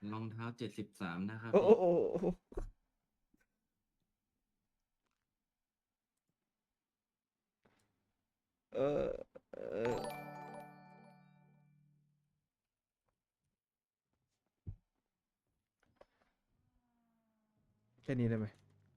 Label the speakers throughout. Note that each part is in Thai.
Speaker 1: รองเท้า73นะครับ
Speaker 2: โอ้โอ้
Speaker 1: พี่
Speaker 2: โอ้โอ้เออเออแค่นี้ได้ไหม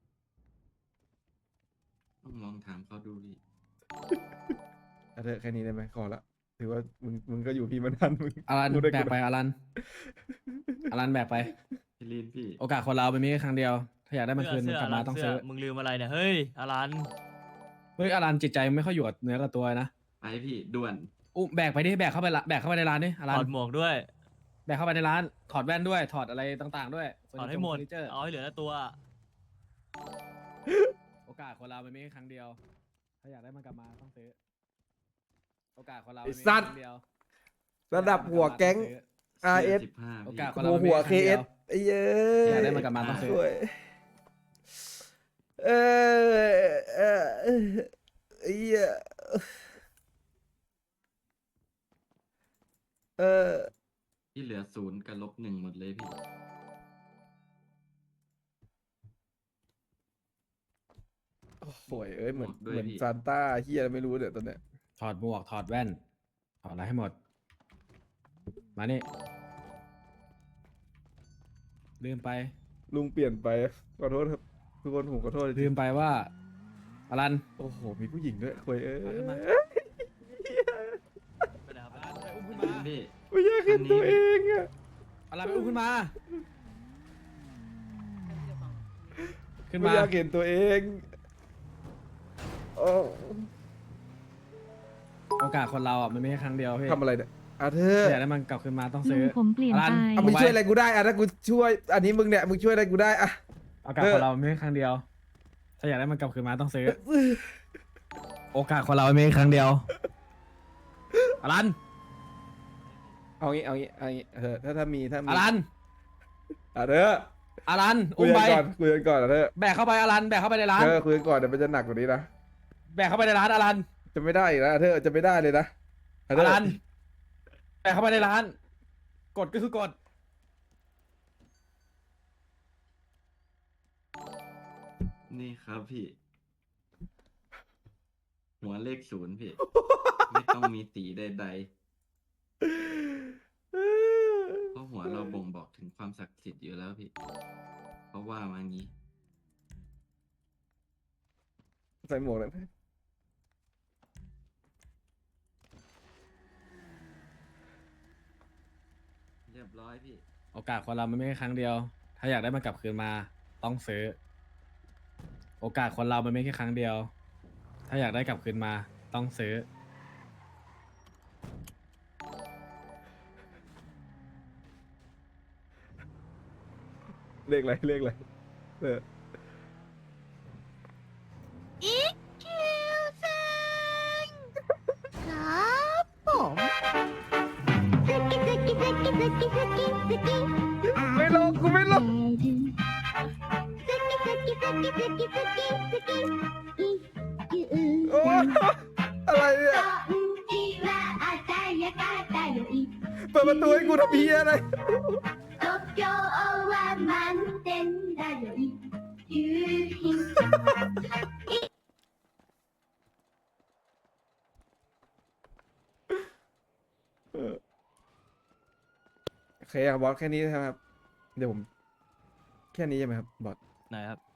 Speaker 1: ต้องลองถามเขาดูพี่
Speaker 2: เอาเถอะแค่นี้ได้ไหมขอละถือว่ามึงก็อยู่พี่มานานมึง
Speaker 3: อลัน
Speaker 2: พูดได้
Speaker 3: แบ
Speaker 2: กูนะ
Speaker 3: กไปอลันอลันแบกไป
Speaker 1: พี่ลีนพี่
Speaker 3: โอกาสคนเราเป็นมีแค่ครั้งเดียว ถ้าอยากได้มันคืน
Speaker 4: เสื้อ
Speaker 3: กลับมาต้อง
Speaker 4: เสื้อ
Speaker 3: ซื้อ
Speaker 4: มึงลืมอะไรเนี่ยเฮ้ยอลัน
Speaker 3: เฮ้ยอลันจิตใจไม่ค่อยอยู่กับเนื้อกับตัวนะ
Speaker 1: ไปพี่ด่วน
Speaker 3: อุ้มแบกไปดิแบกเข้าไปละแบกเข้าไปในร้านดิอ
Speaker 4: ถ
Speaker 3: ลัน
Speaker 4: อดหมวกด้วย
Speaker 3: แบกเข้าไปในร้านถอดแว่นด้วยถอดอะไรต่างๆด้วยเฟอ
Speaker 4: ถอด
Speaker 3: ร์นิ
Speaker 4: ให้
Speaker 3: เจอร์
Speaker 4: หมด
Speaker 3: เฟอร์นิเจอร์
Speaker 4: เอาให้เหลือแต่ตัว
Speaker 3: โอกาสคนเราเป็นมีแค่ครั้งเดียว ถ้าอยากได้มันกลับมาต้องซื้อ โอกาสคนเรา
Speaker 2: ไอ้
Speaker 3: เป็นมี
Speaker 2: สั
Speaker 3: แค่
Speaker 2: ตว์
Speaker 3: ครั้งเดียว
Speaker 2: ระดับหัวแก๊ง
Speaker 1: เสื้อ
Speaker 2: RS
Speaker 1: 15
Speaker 3: โอ
Speaker 1: พี่
Speaker 3: กาสคน
Speaker 2: หั
Speaker 3: เรา
Speaker 2: ว
Speaker 3: เป็นมี
Speaker 2: หัว
Speaker 3: แค่ครั้งเดียว
Speaker 2: KS ไอ้เย้
Speaker 3: อยากได้
Speaker 2: ย
Speaker 3: มันกลับมาต้องซื้อ
Speaker 2: สวยเอไอ้เหี้ยเออ
Speaker 1: ที่เหลือ0กับ-1หมดเลยพี่
Speaker 2: สวยเอ้ยเหมือน
Speaker 1: หมดด้วย
Speaker 2: เหมือน
Speaker 1: พี่
Speaker 2: ซานต้าเฮียไม่รู้เนี่ยตอนเนี้ย
Speaker 3: ถอดหมวกถอดแว่นถอดอะไรให้หมด มานี่ลืมไป
Speaker 2: ลุงเปลี่ยนไปขอโทษครับทุกคนผมขอโทษจ
Speaker 3: ลื
Speaker 2: ริง
Speaker 3: มไปว่าอลัน
Speaker 2: โอ้โหมีผู้หญิงด้วยคุยเอ้ย
Speaker 3: เอาขึ้นมา
Speaker 4: ไปไหนครับ
Speaker 3: อลันไปอุ้มขึ้น
Speaker 1: พี่
Speaker 3: มา
Speaker 1: พี่
Speaker 2: ไม่อยากเห็นตัวเองอะ
Speaker 3: อลันไปอุ้มขึ้นมา ขึ้น
Speaker 2: ไม่
Speaker 3: มา
Speaker 2: อยากเห็นตัวเองโอ้
Speaker 3: โอกาสคนเราอ่ะมันไม่ใช่ครั้งเดียวพี่
Speaker 2: ทำอะไรเนี่ยอ่ะเธอ
Speaker 3: ถ้าอยากได้มันกลับคืนมาต้อง
Speaker 5: ลุ
Speaker 3: ซื้
Speaker 5: ง
Speaker 3: อ
Speaker 5: ผมเปลี่ยน
Speaker 3: อลัน
Speaker 5: ไป
Speaker 2: อ่ะมึงช่วยอะไรกูได้อ่ะถ้ากูช่วย อันนี้มึงเนี่ยมึงช่วยอะไรกูได้อ่ะ
Speaker 3: โอกาสคนเราไม่ใช่ครั้งเดียว ถ้าอยากได้มันกลับคืนมาต้องซื้อ โอกาสคนเราไม่ใช่ครั้งเดียวอลัน
Speaker 2: เอางี้เอางี้เอางี้เธอถ้ามี
Speaker 3: อลัน
Speaker 2: อ่ะเธอ
Speaker 3: อลัน
Speaker 2: คุ
Speaker 3: อุ้
Speaker 2: ย
Speaker 3: ม
Speaker 2: กั
Speaker 3: ไป
Speaker 2: นก่อนคุยกันก่อนอ่ะเธอ
Speaker 3: แบกเข้าไปอลันแบกเข้าไปในร้าน
Speaker 2: เธอคุยกันก่อนเดี๋ยวมันจะหนักกว่านี้นะ
Speaker 3: แบกเข้าไปในร้านอลัน
Speaker 2: จะไม่ได้อีกแล้วเธอจะไม่ได้เลยนะอ่ะ
Speaker 3: อ
Speaker 2: เธอ
Speaker 3: ลันแบกเข้าไปในร้าน กดก็คือกด
Speaker 1: นี่ครับพี่ หัวเลข0พี่ ไม่ต้องมีสีใดๆเพราะหัวเราบ่งบอกถึงความศักดิ์สิทธิ์อยู่แล้วพี่ เพราะว่ามางี้
Speaker 2: ใส่หมวกเลย
Speaker 1: เรียบร้อยพี่
Speaker 3: โอกาสคนเรามันไม่ใช่ครั้งเดียว ถ้าอยากได้มันกลับคืนมาต้องซื้อ โอกาสคนเรามันไม่แค่ครั้งเดียว ถ้าอยากได้กลับคืนมาต้องซื้อ
Speaker 2: เลขอะไรเลขอะไรเออ
Speaker 5: อีคิวเซงครับผมสกิสกิสกิสกิสกิสกิ
Speaker 2: ไม่ลงกูไม่ลง
Speaker 5: สกิสกิสกิสกิสกิสกิอีคิว
Speaker 2: โอ้อะไรเนี่ย
Speaker 5: ที่ว่าอาจารย์กาตาโยอิ
Speaker 2: เปิดประตูให้กูทำเพี้ยอะไร
Speaker 5: 東京は満点だよ夕日
Speaker 2: โอเคครับบอสแค่นี้ใช่ไหมครับ เดี๋ยวผม แค่นี้ใช่ไหมครับบอส
Speaker 4: ไหนครับ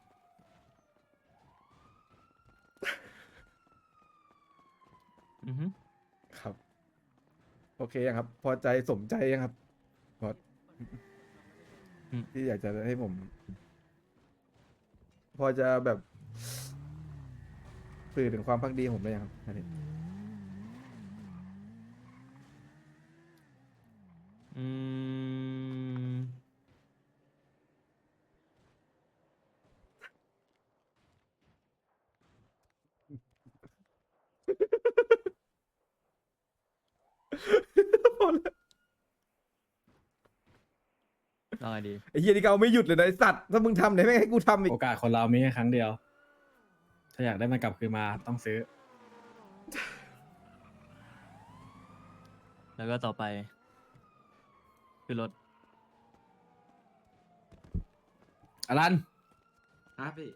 Speaker 4: อือฮึ
Speaker 2: ครับ โอเคยังครับ พอใจสมใจยังครับบอสที่อยากจะให้ผม พอจะแบบสื่อถึงความพักดีของผมได้ยังครับอันนี้
Speaker 4: อืม
Speaker 2: พอแล้ว
Speaker 4: เอาไงดี
Speaker 2: ไอ้เฮียนี่ก็เอาไม่หยุดเลยนะไอ้สัตว์ถ้ามึงทำเนี่ยไม่งให้กูทำอีก
Speaker 3: โอกาสคนเรามีแค่ครั้งเดียว ถ้าอยากได้มันกลับคืนมาต้องซื้อ
Speaker 4: แล้วก็ต่อไป คือรถ
Speaker 3: อลัน
Speaker 1: ครับพี่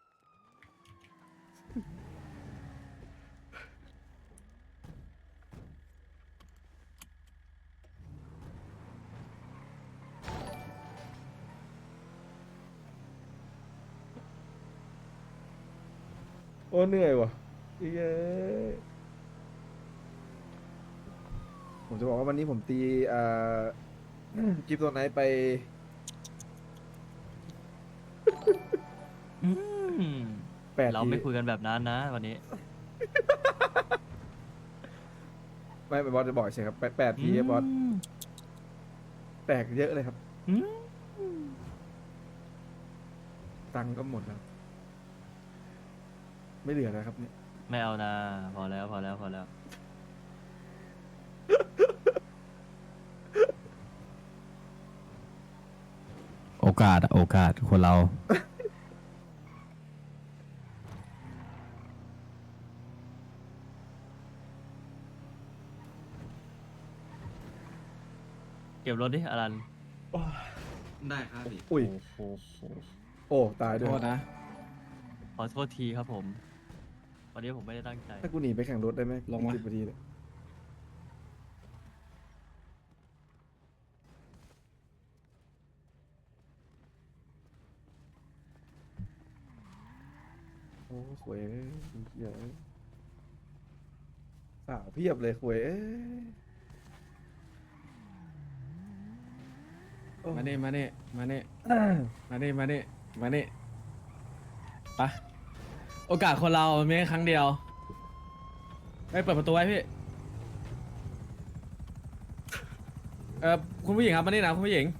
Speaker 2: โอ้เหนื่อยว่ะเย้ยผมจะบอกว่าวันนี้ผมตีกิฟต์ตัวไหนไป
Speaker 4: อืม
Speaker 2: 8
Speaker 4: เรา
Speaker 2: ที
Speaker 4: ไม่คุยกันแบบนั้นนะวันนี้
Speaker 2: ไม่บอสจะบอกใช่ครับ8 ทีครับบอส
Speaker 4: ม
Speaker 2: แตกเยอะเลยครับ
Speaker 4: อืม
Speaker 2: ตังค์ก็หมดแล้ว ไม่เหลือแล้วครับเนี่ย
Speaker 4: ไม่เอานะพอแล้วพอแล้วพอแล้ว
Speaker 3: โอกาสคนเรา
Speaker 4: เก็บรถดิอลัน
Speaker 1: ได้ครับพี่
Speaker 2: อุ้ย
Speaker 4: โอ้โห
Speaker 2: โอ้ตายด้วย
Speaker 3: โทษนะ
Speaker 4: ขอโทษทีครับผม วันนี้ผมไม่ได้ตั้งใจ
Speaker 2: ถ้ากูหนีไปแข่งรถได้ไหม
Speaker 3: ลงมา
Speaker 2: 10 นาทีเลยโอ้หวยเหี้ยอะสาวเพียบเลยหวยเอ้ยโอ้
Speaker 3: มานี่มานี่มานี่มานี่มานี่มานี่ไปะโอกาสคนเรามันมีแค่ครั้งเดียวไปเปิดประตูไว้พี่คุณผู้หญิงครับมานี่นะคุณผู้หญิง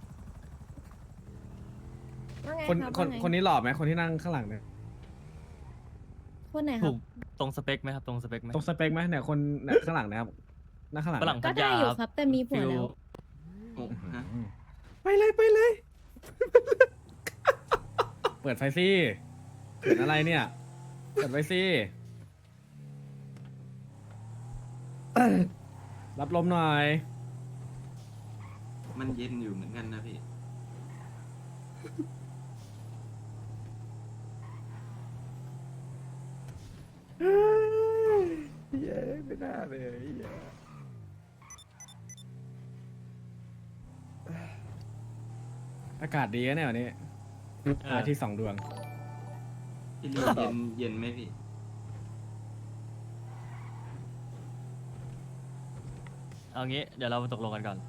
Speaker 5: ว่าไง
Speaker 3: คน
Speaker 5: รับ
Speaker 3: คน
Speaker 5: ว่าไง
Speaker 3: คนนี้หล่อไหมคนที่นั่งข้างหลังเนี่ย
Speaker 5: คนไหนค
Speaker 4: ถู
Speaker 5: รับ
Speaker 4: กตรงสเปคไหมครับ ตรงสเปคไหม
Speaker 3: ตรงสเปคไหมเนี่ยคนเนี่ยข้างหลังนะครับนั่งข้างหลัง
Speaker 4: ฝรั่ง
Speaker 3: เนี่ย
Speaker 5: ก็
Speaker 4: พัท
Speaker 5: ได้
Speaker 4: ยา
Speaker 5: อยู่
Speaker 4: ครับ
Speaker 5: ครับ แต่มีผัวแล้ว
Speaker 1: โอ้ฮะ
Speaker 2: ไปเลยไปเลย
Speaker 3: เปิดไฟสิเปิดอะไรเนี่ยเปิดไฟสิรับลมหน่อย
Speaker 1: มันเย็นอยู่เหมือนกันนะพี่
Speaker 2: เฮ้ยเย้ยไม่น่าเลยเหี้ย
Speaker 3: อากาศดีนะเนี่ยวันนี้
Speaker 4: เออ
Speaker 3: อาที่สองดวง
Speaker 1: พี่ลีเย็นไหมพี่
Speaker 4: เอางี้เดี๋ยวเรามาตกลงกันก่อน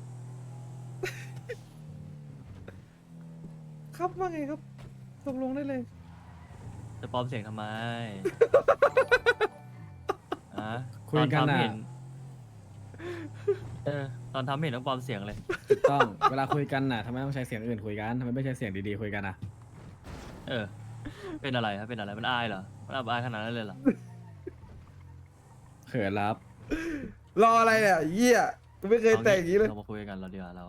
Speaker 2: ครับว่าไงครับตกลงได้เลย
Speaker 4: จะปลอมเสียงทำไม อะ
Speaker 3: คุยกัน
Speaker 4: ตอทำ
Speaker 3: น่ะ
Speaker 4: เห็ตอนทำเห็นต้องปลอมเสียงเลย
Speaker 3: ถูกต้อง เวลาคุยกันน่ะทำไมต้องใช้เสียงอื่นคุยกันทำไมไม่ใช้เสียงดีๆคุยกันอ่ะ
Speaker 4: เออ เป็นอะไรครับ เป็นอะไร มันอายเหรอ มันอับอายขนาดนั้นเลยเหรอ
Speaker 3: เขินรับ
Speaker 2: รออะไรเนี่ยเหี้ยกูไม่เคยแต่งอย่างนี้เลย
Speaker 4: เรามาคุยกันเราดีกว่าเรา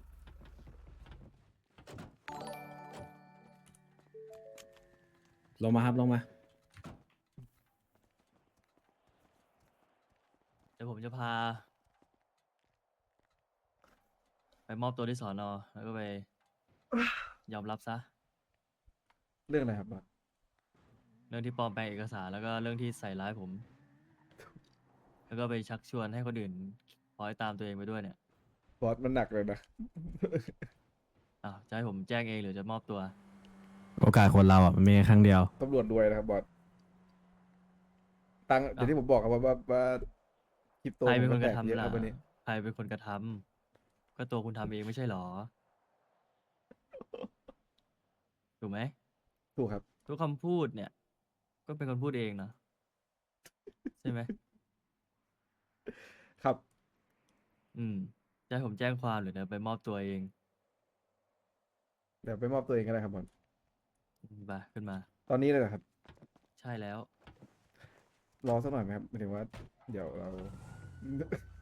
Speaker 3: ลงมาครับลงมา
Speaker 4: เดี๋ยวผมจะพา ไปมอบตัวที่สอนอแล้วก็ไป ยอมรับซะ
Speaker 2: เรื่องอะไรครับบอส
Speaker 4: เรื่องที่ปลอมแปลงเอกสารแล้วก็เรื่องที่ใส่ร้ายผม แล้วก็ไปชักชวนให้คนอื่นคอยตามตัวเองไปด้วยเนี่ย
Speaker 2: บอสมันหนักเลยนะ
Speaker 4: อ้าวจะให้ผมแจ้งเองหรือจะมอบตัว
Speaker 3: โอกาสคนเราอ่ะมันมีแค่ครั้งเดียว
Speaker 2: ตำรวจรวยนะครับบอสตังค์อย่างที่ผมบอกครับว่าคริปโต
Speaker 4: ใครเป็น
Speaker 2: มั
Speaker 4: คนก
Speaker 2: แต
Speaker 4: ระ
Speaker 2: ก
Speaker 4: ทำ
Speaker 2: เยอะค
Speaker 4: ล่ะ
Speaker 2: รับวันนี้
Speaker 4: ใครเป็นคนกระทำก็ตัวคุณทำเองไม่ใช่หรอ ถูกไหม
Speaker 2: ถูกครับ
Speaker 4: ทุกคำพูดเนี่ย ก็เป็นคนพูดเองเนาะใช่ไหม
Speaker 2: ครับ
Speaker 4: อืม จะให้ผมแจ้งความหรือจะไปมอบตัวเอง
Speaker 2: เดี๋ยวไปมอบตัวเองก็ได้ครับบอส
Speaker 4: ไปขึ้นมา
Speaker 2: ตอนนี้เลยเหรอครับ
Speaker 4: ใช่แล้ว
Speaker 2: รอสักหน่อยไหมครับหมายถึงว่า เดี๋ยวเรา